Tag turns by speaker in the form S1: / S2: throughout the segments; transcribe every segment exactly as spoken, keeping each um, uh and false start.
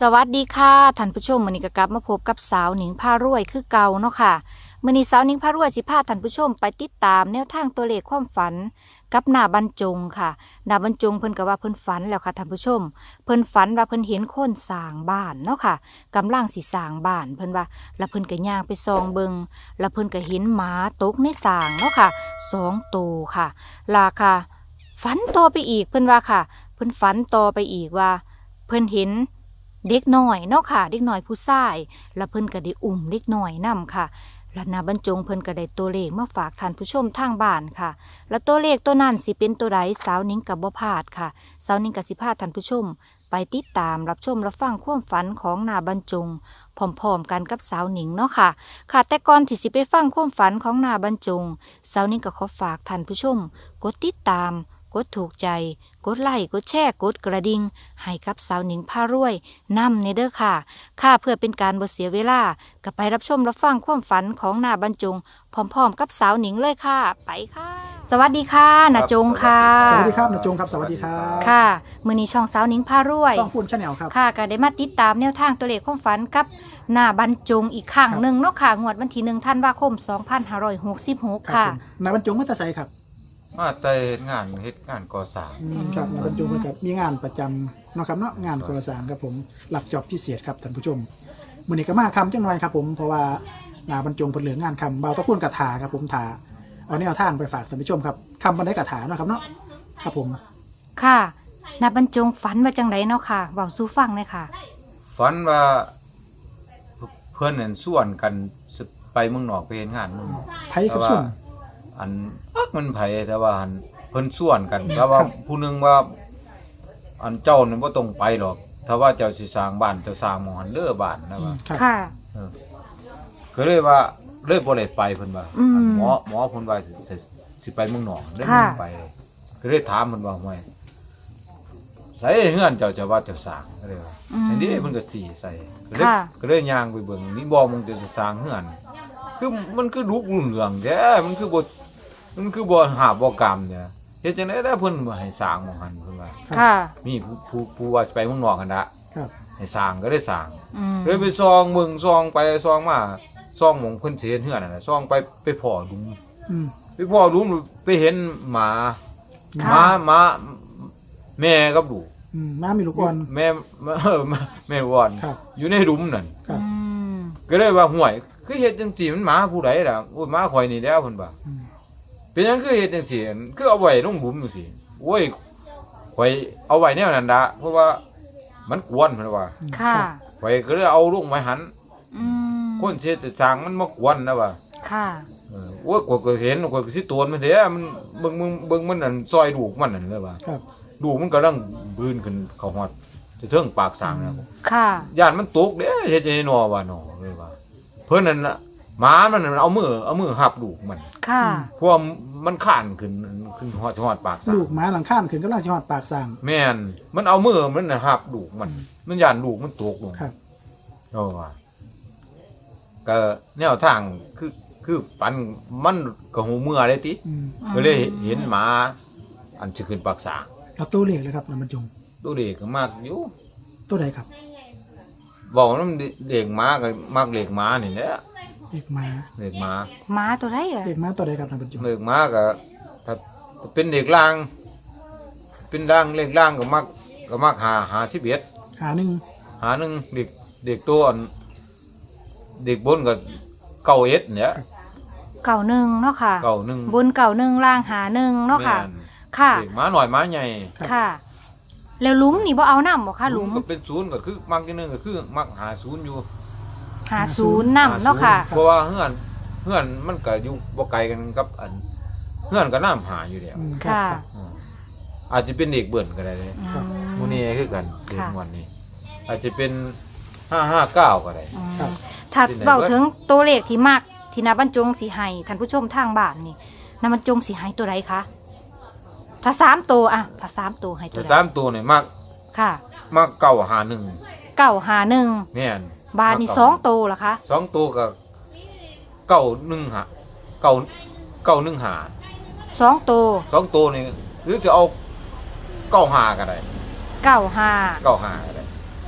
S1: สวัสดีค่ะท่านผู้ชมมื้อนี้ก็กลับมาพบกับสาวหนิงพารวยคือเก่าเนาะค่ะมื้อนี้สาวหนิงพารวยสิพาท่านผู้ชมไปติดตามแนวทางตัวเลขความฝันกับหน้าบรรจงค่ะหน้าบรรจงเพิ่นก็ว่าเพิ่นฝันแล้วค่ะท่านผู้ชมเพิ่นฝันว่าเพิ่นเห็นคนสร้างบ้านเนาะค่ะกำลังสิสร้างบ้านเพิ่นว่าแล้วเพิ่นก็ย่างไปส่องเบิงแล้วเพิ่นก็เห็นหมาตกในสร้างเนาะค่ะสองตัวค่ะลาค่ะฝันต่อไปอีกเพิ่นว่าค่ะเพิ่นฝันต่อไปอีกว่าเพิ่นเห็นเด็กน้อยเนาะค่ะเด็กน้อยผู้ชายแล้วเพิ่นก็ได้อุ้มเด็กน้อยนํค่ะแล้วนาบรรจงเพิ่นก็ได้ตัวเลขมาฝากท่านผู้ชมทางบ้านค่ะแล้วตัวเลขตัวนั้นสิเป็นตัวใดสาวนิ้งกับบ่พลาดค่ะสาวนิ้งกับสิพาท่านผู้ชมไปติดตามรับชมรับฟังความฝันของนาบรรจงพร้อมๆกันกับสาวนิ้งเนาะค่ะค่ะแต่ก่อนที่สิไปฟังความฝันของนาบรรจงสาวนิ้งก็ขอฝากท่านผู้ชมกดติดตามกดถูกใจกดไลค์กดแชร์กดกระดิ่งให้กับสาวหนิงพารวยนำในเด้อค่ะค่ะเพื่อเป็นการบ่เสียเวลาก็ไปรับชมรับฟังความฝันของนาบรรจงพร้อมๆกับสาวหนิงเลยค่ะไปค่ะสวัสดีค่ะนาจงค่ะ
S2: สวัสดีครับนาจงครับสวัสดีครับ
S1: ค่ะมื้อนี้ช่องสาวหนิงพารวย
S2: ต้องพูดชาแนลครับ
S1: ค่ะก็ได้มาติดตามแนวทางตัวเลขความฝันกับนาบรรจงอีกครั้งหนึ่งเนาะค่ะงวดวันที่หนึ่งธันวาคมสองพันห้าร้อยหกสิบหกค่ะ
S2: นายบรรจงมัตไซครับ
S3: มาแต่เฮ็ดงานเฮ็ดงานก่อสร้าง
S2: อืมครับนายบรรจงครับมีงานประจำเนาะครับเนาะงานก่อสร้างครับผมหลักจอบพิเศษครับท่านผู้ชมมื้อนี้ก็มาคำจังหน่อยครับผมเพราะว่านายบรรจงเพิ่นเหลืองานคำเบาตะพูนกระถาครับผมถาเอาแนวทางไปฝากท่านผู้ชมครับคำบันไดกระถาเนาะครับเนาะครับผม
S1: ค่ะนาบรรจงฝันว่าจังไดเนาะค่ะเว้าสู่ฟังเลยค่ะ
S3: ฝันว่าเพิ่นนั่นส่วนกันสิไปเมืองนอกไปเฮ็ดงานเมืองนอก
S2: ไผกับส่วน
S3: อันอักมันไผแต่ว่าอันเพิ่นส่วนกันแต่ว่าผู้หนึงว่า อันเจ้านี่บ่ต้องไปหรอกถ้าว่าเจ้าสิสร้างบ้านเจ้าสร้างหม้องหันเด้อบ้านนะว่า
S2: ครับ
S1: ค่ะ
S3: เออก็เลยว่าเลยบ่ได้ไปเพิ่นว่า
S1: อืม
S3: อันหมอหมอเพิ่นว่าสิสิสิไปเมืองนอกเลย
S1: ค่ะ
S3: บ่ไปก็เลยถามเพิ่นว่าห่วยใส่เฮือนเจ้าจะว่าเจ้าสร้างก็เลยว่า
S1: อืม
S3: อันนี้เพิ่นก็สีใส่ก็เลย
S1: ค่ะ
S3: ก็เลยย่างไปเบิ่งนี่บ่มึงจะสร้างเฮือนคือมันคือลุกรุ่งเรืองแท้มันคือบ่มันคือบ่หาบบ่กรรมเนี่ยเฮ็ดจังได๋ได้เพิ่นบ่ให้สร้างหม้องหันเพิ่นว่า
S1: ค่ะ
S3: มีผู้ผู้ผู้ว่าไปเมืองนอกกันดะ
S2: ครับ
S3: ให้สร้างก็ได้สร้าง
S1: อืม
S3: เลยไปซองเบิ่งซองไปซองมาซองหม่องเพิ่นสิเฮ็ดเฮือนนั่นน่ะซองไปไปพ้อหลุม
S2: อืม
S3: ไปพ้อหลุมไปเห็นหมาห
S1: ค่ะ
S3: มาหมาแม่กับลูก
S2: อืมมามีลูกอ่อน
S3: แม่เออแม่วอน
S2: ครับ
S3: อยู่ในหลุมนั่น
S2: ครับ
S1: อืม
S3: ก็เลยว่าห่วยคือเฮ็ดจังซี่มันหมาผู้ใดล่ะโอ้ยหมาข่อยนี่แล้วเพิ่นว่า
S2: อืม
S3: เป็นหยังคือเฮ็ดจังซี่คือเอาไว้ลงหลุมจังซี่โอ้ยข่อยเอาไว้แนวนั้นดะเพราะว่ามันกวนเพิ่นว่า
S1: ค่ะ
S3: ข่อยก็เลยเอาลงไว้หัน
S1: อืม
S3: คนเฮ็ดแต่สร้างมันมากวนนะว่า
S1: ค่ะ
S3: เออโอ้ยข่อยก็เห็นข่อยก็สิโตนมันแท้มันเบิ่งมึงเบิ่งมันนั่นซอยลูกมันนั่นเลยว่า
S2: ครับ
S3: ลูกมันกำลังบืนขึ้นเข้าฮอดจะเทิงปากสร้างนะ
S1: ค่ะ
S3: ย่านมันตกเด้เฮ็ดจังได๋หนอว่าหนอเลยว่าเพิ่นนั่นน่ะหมามันนั่นเอามือเอามือหับลูกมัน
S1: ค่ะ
S3: เพราะว่ามันข้านขึ้นขึ้นฮอดฮอดปากสร้าง
S2: ลูกหมาหลังข้านขึ้นกำลังสิฮอดปากสร้าง
S3: แม่นมันเอามือมันน่ะหับลูกมัน มันย่านลูกมันตกลง
S2: ครับ
S3: เออว่าก็แนวทางคือคือปันมันก็หูเมื่อเลยติ
S2: อืม
S3: ก็เลยเห็นหมา อันสิขึ้นปากสร้าง
S2: เอาตัวเลขเลยครับนายบรรจง
S3: ตัวเด็กก็มากอยู่
S2: ตัวใดครับ
S3: บอกว่ามันเด็กหมาก็มากเด็กหมานี่แหละ
S2: เด็กหมา
S3: เด็กหมา
S1: หมาตัวไรเหรอ
S2: เด็กหมาตัวใดครับนายบรรจง
S3: เด็กหมาก็ถ้าเป็นเด็กล่าง เป็นล่างเล็กล่างก็มักก็มักหาหาสิบเอ็ด
S2: หาหนึ่ง
S3: หาหนึ่งเด็กเด็กตัวอันเด็กบนก็เก้าเอ็ดเนี่ย
S1: เก่าหนึ่งเนาะค่ะ
S3: เก้าหนึ่ง
S1: บนเก่าหนึ่งล่างหาหนึ่งเนาะค่ะ
S3: แม่น
S1: ค่ะ
S3: เด็กหมาหน่อยหมาใหญ่
S1: ค่ะ แล้วหลุมนี่บ่เอาน้ำบ่ค่ะหลุม
S3: ก็เป็นศูนย์ก็คือมักที่หนึ่งก็คือมักหาศูนย์อยู่
S1: หาศูนย์น้ำเนาะค่ะ
S3: เพราะว่าเฮือนเฮือนมันก็อยู่บ่ไกลกันกับอันเฮือนก็น้ำหาอยู่แล้ว
S2: อืมครับ
S1: ค่ะ
S2: ครับ
S3: อืมอาจจะเป็นเด็กเบิ่นก็ได้เลย
S1: อืม
S3: มูนี่คือกันเด็ก
S1: ค่ะ
S3: วันนี้ อาจจะเป็นห้าห้าเก้าก็ได้
S1: อืม
S2: ครับ
S1: ถ้า
S3: ที่ไหน
S1: เบาถึงตัวเลขที่มากที่นาบรรจงสีให้ท่านผู้ชมทางบ้านนี่นาบรรจงสีให้ตัวไรคะถ้าสามตัวอะถ้าสามตัวให้ตัว
S3: แต่
S1: ใด
S3: สามตัวเนี่ยมัก
S1: ค่ะ
S3: มักเก้าหาหนึ่ง
S1: เก้าหาหนึ่ง
S3: แม่น
S1: บาทนี่
S3: มัก
S1: สองตัวเหรอคะ
S3: สองตัวก็เก้าหนึ่งหาเก้าเก้าหนึ่งหา
S1: สองตัว
S3: สองตัวนี่หรือจะเอาเก้าหาก็ได้
S1: เก้าหา
S3: เก้าหาก็ได้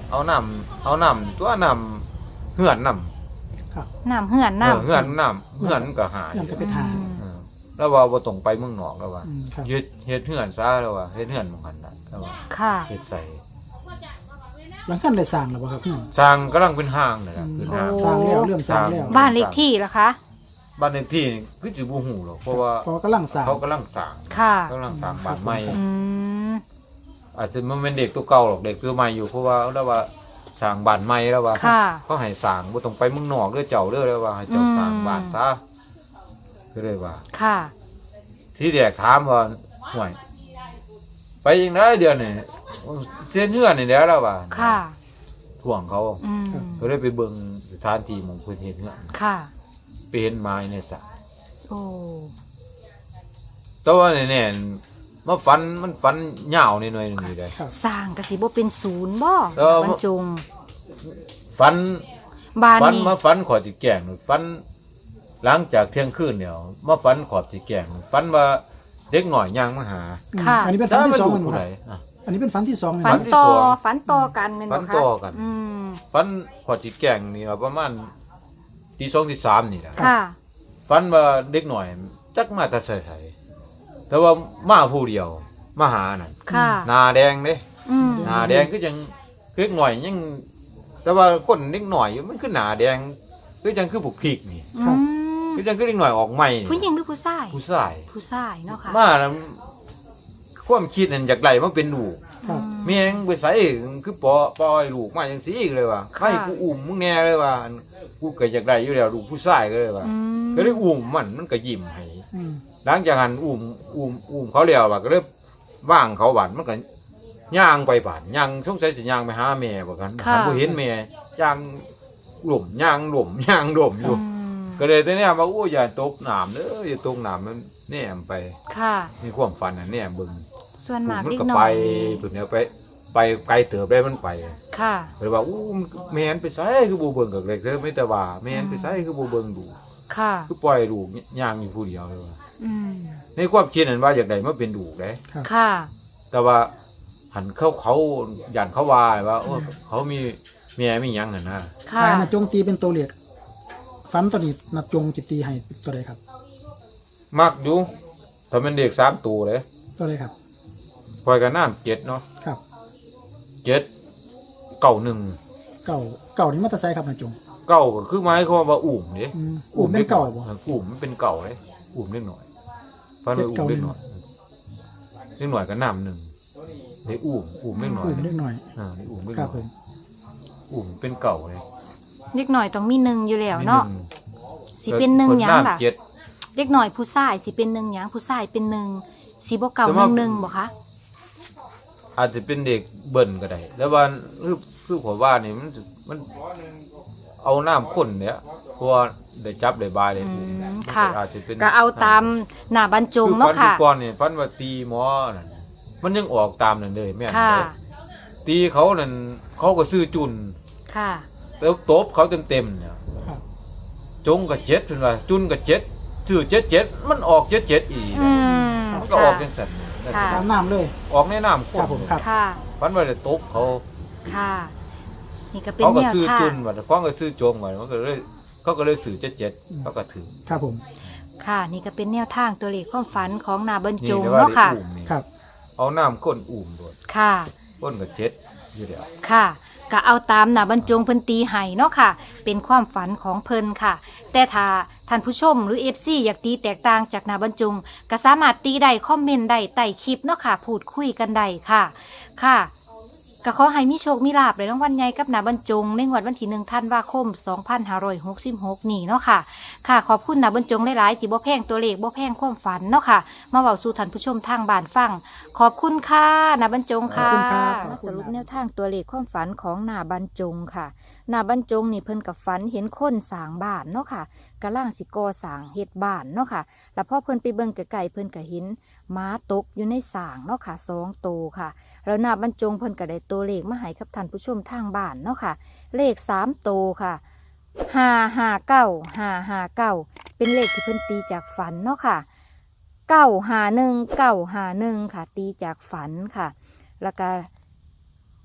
S3: เอาน้ำเอาน้ำตัวน้ำเหือนน้ำ
S2: ครับ
S1: น้ำเหือน
S3: เออ
S1: น้ำ
S3: เหือนน้ำเหือนมันก็หาย
S2: เหือนก็เป็นหา
S1: อืม
S3: เออแล้วว่าบ่ต้องไปเมืองนอกแล้วว่า
S2: อืมครับ
S3: เฮ็ดเฮ็ดเหือนซะแล้วว่าเฮ็ดเหือนหมองหันน่ะแล้วว่า
S1: ค่ะ
S3: เฮ็ดใส่
S2: หลังกันได้สร้างแล้วบ่ครับเพื่อน
S3: สร้างกำลังเป็นห้างนั่นล่ะคือห้าง
S2: สร้างแล้วเริ่มสร้างแล้ว
S1: บ้านเลขที่ล่ะคะ
S3: บ้านเลขที่นี่คือสิบ่ฮู้หรอกเพราะว่า
S2: เพราะว่ากำลังสร้าง
S3: เขากำลังสร้าง
S1: ค่ะ
S3: กำลังสร้างบ้านใหม่
S1: อืม
S3: อาจจะมันเป็นเด็กตัวเก่าหรอกเด็กตัวใหม่อยู่เพราะว่าแล้วว่าสร้างบ้านใหม่แล้วว่า
S1: ค่ะ
S3: เขาให้สร้างบ่ต้องไปเมืองนอกเด้อเจ้าเด้อแล้วว่าให้เจ้าสร้างบ้านซะก็เลยว่า
S1: ค่ะ
S3: ที่แรกถามว่าห่วยไปยังไงเดือนนี่เส้นเฮือนนี่แหล้วแล้วว่า
S1: ค่ะ
S3: ท่วงเขา
S1: อืม
S3: ก็เลยไปเบิ่งสถานที่หมองเพิ่นเฮ็ดเฮือน
S1: ค่ะ
S3: ไปเห็นไม้ในสระ
S1: โอ้
S3: แต่ว่าแน่ๆมาฝันมันฝันยาวนิดหน่อยนึงนี่ได้
S2: ครับ
S1: สร้างกสิบ่เป็นศูนย์บ่
S3: เออ
S1: บรรจง
S3: ฝัน
S1: บ้าน
S3: ฝัน
S1: นี้
S3: มาฝันขอสิแกล้งฝันหลังจากเที่ยงคืนเนี่ยมาฝันขอบสิแกล้งฝันว่าเด็กหน่อยย่างมาหา
S2: อืม
S1: ค่ะ
S2: อันนี้เป็นฝันที่สอง
S3: มั
S2: มัน
S3: ผู้
S2: บ่ค
S3: ใด
S2: รับ
S3: อ่ะ
S2: อันนี้เป็นฝันที่สองเลย
S1: ฝัน
S2: นะ
S1: ต่อ
S3: ฝันที่สอง
S1: ฝันต่อกันแม่น
S3: ฝั
S1: บ่
S3: น
S1: คะ
S3: ต่อกัน
S1: อืม
S3: ฝันขอสิแกล้งนี่ว่าประมาณตีสองตีสามนี่แหละ
S1: ค่ะ
S3: ฝันว่าเด็กหน่อยจักมาแต่ใส่ไสแต่ว่ามาผู้เดียวมาหานั่น
S1: ค่ะ
S3: หน้าแดงเด้
S1: อืม
S3: หน้าแดงก็ยังเล็กหน่อยยัง แต่ว่าคนเล็กหน่อยมันคือหน้าแดงคือจังคือผูกพริกนี่
S1: อืม
S3: คือจังคือเล็กหน่อยออกใหม่
S1: ผู้หญิงหรือผู้ชาย
S3: ผู้ชาย
S1: ผู้ชายเนาะค่ะ
S3: มาแล้วความคิดนั่นจากไรมันเป็นลูก
S2: ครับ
S3: เมียงไปใส่คือปอปล่อยลูกมาจังซี่เลยว่าให้กูอุ้มมึงแน่เลยว่ากูเกิดจากไรอยู่แล้วลูกผู้ชายก็เลยว่า
S1: อืม
S3: ก็เลยอุ้มมันมันก็ยิ้มให้
S2: อืม
S3: หลังจากหันอุ้มอุ้มอุ้มเขาแล้วว่าก็เลยว่างเขาบานมันก็ย่างไปบานย่างสงสัยสิย่างไปหาแม่บ่กันหันบ่เห็นแม่ย่างหล่มย่างหล่มย่างหล่มอยู่
S1: อืม
S3: ก็เลยตอนนี้มาโอ้ยอย่าตกน้ำเด้ออย่าตกน้ำมันแนมไป
S1: ค่ะ
S3: มีความฝันน่ะแนมเบิ่ง
S1: ส่วนมาก
S3: มัน
S1: เล็ก
S3: ก็
S1: น้อ
S3: ไป
S1: ย
S3: เพิ่นเนี่ยไปไปไกลเติบได้มันไป
S1: ค่ะ
S3: เลยว่าอู้แม่นไปไสคือบ่เบิ่งกับเล็กเด้อไม่แต่ว่าแม่นไปไสคือบ่เบิ่งดู
S1: ค่ะ
S3: คือปล่อยลูกย่างอยู่ผู้เดียวเลยว่า
S1: อืม
S3: ในความคิดนั้นว่าอยากได้มาเป็นลูกเด้
S1: ค่ะ
S3: แต่ว่าหันเขาเขาย่านเขาว่าว่าโอ้เขามีแม่มีหยังนั่นนะ
S1: ค่ะ
S2: ถ้านาจงตีเป็นตัวเลขฝันตัวนี้นาจงจิตีให้ตัวใดครับ
S3: มักอยู่ถ้ามันเด็กสามตัวเลย
S2: ตัวใดครับ
S3: ปล่อยกันน้ำเจ็ดเนาะ
S2: ครับ
S3: เจ็ดเก้าหนึ่ง
S2: เก่าเก่านี่มาแตะไซครับนาจง
S3: เก้าก็คือไม้เขาว่าอุ่มเด้
S2: อืมอุ่มเป็นเก่าบ่
S3: อุ่มมันเป็นเก่าเลยอุ่มเล็กหน่อยฟันไปอุ่มเล็กหน่อยเล็กหน่อยก็น้ำหนึ่งในอุ่มอุ่มเล็กหน่อย
S2: อุ่มเล็กหน่อย
S3: อ่าในอุ่มเล็ก
S2: ค
S3: ห
S2: รั
S3: น่
S2: บ
S3: อย
S2: ผม
S3: อุ่มเป็นเก่าเลย
S1: เล็กน้อยต้องมีหนึ่งอยู่แล้วเนาะ
S3: มีหง
S1: สิเป็นหนึ่งหยัง
S3: ค
S1: ล่ะ
S3: น้ำเจ็ด
S1: เล็กน้อยผู้ชายสิเป็นหนึ่งหยังผู้ชายเป็นหนึ่งสิบ่เก่า
S3: สม
S1: ห
S3: มุ
S1: นึ่
S3: ติ
S1: งหนึ่งบ่คะ
S3: อาจจะเป็นเด็กเบิ่นก็ได้แล้วว่าคือคือผมว่านี่มันมันเอาน้ำข้นเนี่ยเพราะว่าได้จับได้บายได้
S1: อื
S3: อุ่ม
S1: ม
S3: มัน
S1: ค่ะ
S3: อาจจะเป็น
S1: ก็เอาตามหน้าบรรจง
S3: คือ
S1: เนาะ
S3: ฟัน
S1: ค่ะ
S3: ที่ก่อนนี่ฟันว่าตีหมอนั่นมันยังออกตามนั่นเลยแม่น
S1: ค่ะ
S3: เลยตีเขานั่นเขาก็ซื้อจุน
S1: ค่ะ
S3: แล้วตบเขาเต็มๆเนี่ย
S2: ครับ
S3: จงกับเจ็ดเป็นว่าจุนกับเจ็ดซื้อเจ็ดเจ็ดมันออกเจ็ดเจ็ดอีก
S1: อืม
S3: มันก็ออกจังสัน
S1: ค่ะ
S2: ตามน้ำเลย
S3: ออกในน้ำข้
S2: ครับผมครับ
S1: ค่ะ
S3: ฟันว่าจะตบเขา
S1: ค่ะ นี่ก็เป็น
S3: เขาก็
S1: แนว
S3: ซื้อ
S1: ทา
S3: จุ
S1: ง
S3: นว่าเขาก็ซื้อจงว่ามันก็เลยเขาก็เลยซื้อเจ็ดเจ็ดเขาก็ถือ
S2: ครับผม
S1: ค่ะ นี่ก็เป็นแนวทางตัวเลขความฝันของหน้าบรรจ
S3: นี่
S1: ง
S3: เรียกว่า
S1: เนาะ
S3: ได้
S1: ค่ะ
S3: อุ่มนี่
S2: ครับ
S3: เอาน้ำข้นอุ่มด้วย
S1: ค่ะ
S3: ข้นกับเจ็ดอยู่เดียว
S1: ค่ะก็เอาตามหน้าบรรจงเพิ่นตีให้เนาะค่ะ เป็นความฝันของเพิ่นค่ะ แต่ถ้าท่านผู้ชมหรือ เอฟ ซี อยากตีแตกต่างจากหน้าบรรจงก็สามารถตีได้คอมเมนต์ได้ใต้คลิปเนาะค่ะ พูดคุยกันได้ค่ะ ค่ะก็ขอให้มีโชคมีลาภในรางวัลใหญ่กับหน้าบรรจงในงวดวันที่หนึ่งธันวาคมสองพันห้าร้อยหกสิบหกนี่เนาะค่ะ ค่ะขอบคุณหน้าบรรจงหลายๆที่บ่แพงตัวเลขบ่แพงความฝันเนาะค่ะ มาเว้าสู่ท่านผู้ชมทางบ้านฟัง ขอบคุณค่ะหน้าบรรจงค่ะ
S2: ขอบคุณครับขอบคุณครับ
S1: มาสรุปแนวทางตัวเลขความฝันของหน้าบรรจงค่ะหน้าบรรจงนี่เพิ่นกับฝันเห็นคนสร้างบ้านเนาะค่ะกำลังสิก่อสร้างเฮ็ดบ้านเนาะค่ะ แล้วพอเพิ่นไปเบิ่งไกลๆเพิ่นก็เห็นม้าตกอยู่ในสร้างเนาะค่ะสองตัวค่ะ แล้วหน้าบรรจงเพิ่นก็ได้ตัวเลขมาให้กับท่านผู้ชมทางบ้านเนาะค่ะ เลขสามตัวค่ะห้าห้าเก้าห้าห้าเก้าเป็นเลขที่เพิ่นตีจากฝันเนาะค่ะเก้าห้าหนึ่งเก้าห้าหนึ่งค่ะ ตีจากฝันค่ะ แล้วก็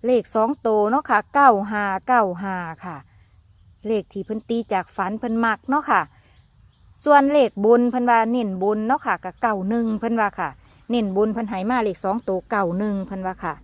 S1: เลขสองโตวเนาะค่ะเก้าห้าเก้าห้าค่ะเลขที่เพิ่นตีจากฝันเพิ่นมักเนาะค่ะส่วนเลขบนเพิ่นว่าเน้นบนเนาะค่ะกับเก้าหนึ่งเพิ่นว่าค่ะเน้นบนเพิ่นให้มาเลขสองโตวเก้าหนึ่งเพิ่นว่าค่ะ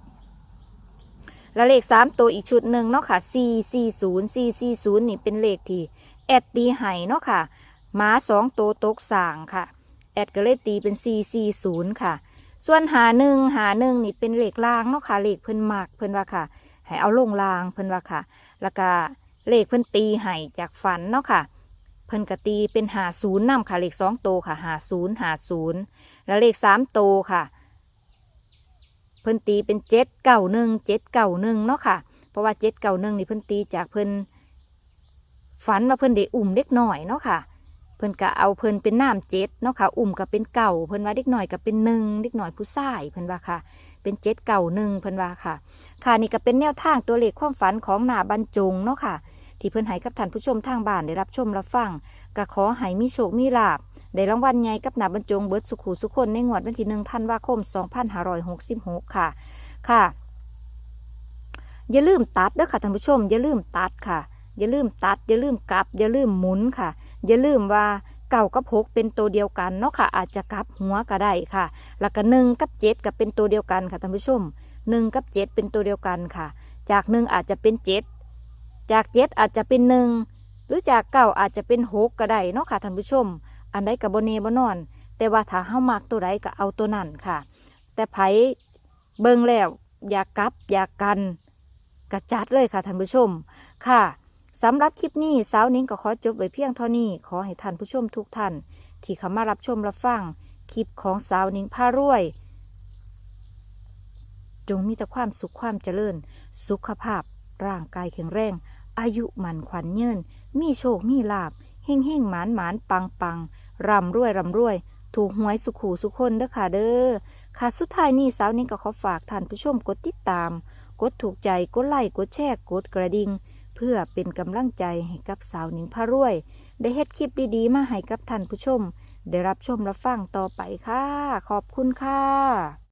S1: แล้วเลขสามตัวอีกชุดหนึ่งเนาะค่ะสี่สี่ศูนย์สี่สี่ศูนย์นี่เป็นเลขที่แอดตีให้เนาะค่ะหมาสองตัวตกสางค่ะแอดก็เลยตีเป็นสี่สี่ศูนย์ค่ะส่วนหาหนึ่งหาหนึ่งนี่เป็นเลขล่างเนาะค่ะเลขเพิ่นมักเพิ่นว่าค่ะให้เอาลงล่างเพิ่นว่าค่ะแล้วก็เลขเพิ่นตีให้จากฝันเนาะค่ะเพิ่นก็ตีเป็นหาศูนย์นำค่ะเลขสองตัวค่ะหาศูนย์หาศูนย์แล้วเลขสามตัวค่ะเพิ่นตีเป็นเจ็ดเก้าหนึ่งเจ็ดเก้าหนึ่งเนาะค่ะเพราะว่าเจ็ดเก้าหนึ่งนี่เพิ่นตีจากเพิ่นฝันว่าเพิ่นได้อุ้มเด็กน้อยเนาะค่ะเพิ่นก็เอาเพิ่นเป็นน้ำเจ็ดเนาะค่ะอุ้มก็เป็นเก่าเพิ่นว่าเด็กน้อยก็เป็นหนึ่งเด็กน้อยผู้ชายเพิ่นว่าค่ะเป็นเจ็ดเก่าหนึ่งเพิ่นว่าค่ะค่ะนี่ก็เป็นแนวทางตัวเลขความฝันของหน้าบรรจงเนาะค่ะที่เพิ่นให้กับท่านผู้ชมทางบ้านได้รับชมรับฟังก็ขอให้มีโชคมีลาภได้รางวัลใหญ่กับหน้าบรรจงเบิดสุขุสุขคนในงวดวันที่หนึ่งธันวาคมสองพันห้าร้อยหกสิบหกค่ะค่ะอย่าลืมตัดเด้อค่ะท่านผู้ชมอย่าลืมตัดค่ะอย่าลืมตัดอย่าลืมกลับอย่าลืมหมุนค่ะอย่าลืมว่าเก่ากับหกเป็นตัวเดียวกันเนาะค่ะอาจจะกลับหัวก็ได้ค่ะแล้วก็หนึ่งกับเจ็ดก็เป็นตัวเดียวกันค่ะท่านผู้ชมหนึ่งกับเจ็ดเป็นตัวเดียวกันค่ะจากหนึ่งอาจจะเป็นเจ็ดจากเจ็ดอาจจะเป็นหนึ่งหรือจากเก้าอาจจะเป็นหกก็ได้เนาะค่ะท่านผู้ชมอันใดกับโบเนบ่นอนแต่ว่าถ้าเฮามักตัวใดก็เอาตัวนั้นค่ะแต่ไผเบิ่งแล้วอยากกลับอยากกันกระจัดเลยค่ะท่านผู้ชมค่ะสำหรับคลิปนี้สาวนิ้งก็ขอจบไว้เพียงเท่านี้ขอให้ท่านผู้ชมทุกท่านที่เข้ามารับชมรับฟังคลิปของสาวนิ้งพารวยจงมีแต่ความสุขความเจริญสุขภาพร่างกายแข็งแรงอายุมันขวัญยืนมีโชคมีลาภเฮ่งเฮ่งหมานหมานปังปังร่ำรวยร่ำรวยถูกหวยสุขหูสุขคนเด้อค่ะเด้อค่ะสุดท้ายนี้สาวนิ้งก็ขอฝากท่านผู้ชมกดติดตามกดถูกใจกดไลค์กดแชร์กดกระดิ่งเพื่อเป็นกำลังใจให้กับสาวหนิงพารวยได้เฮ็ดคลิปดีๆมาให้กับท่านผู้ชมได้รับชมรับฟังต่อไปค่ะขอบคุณค่ะ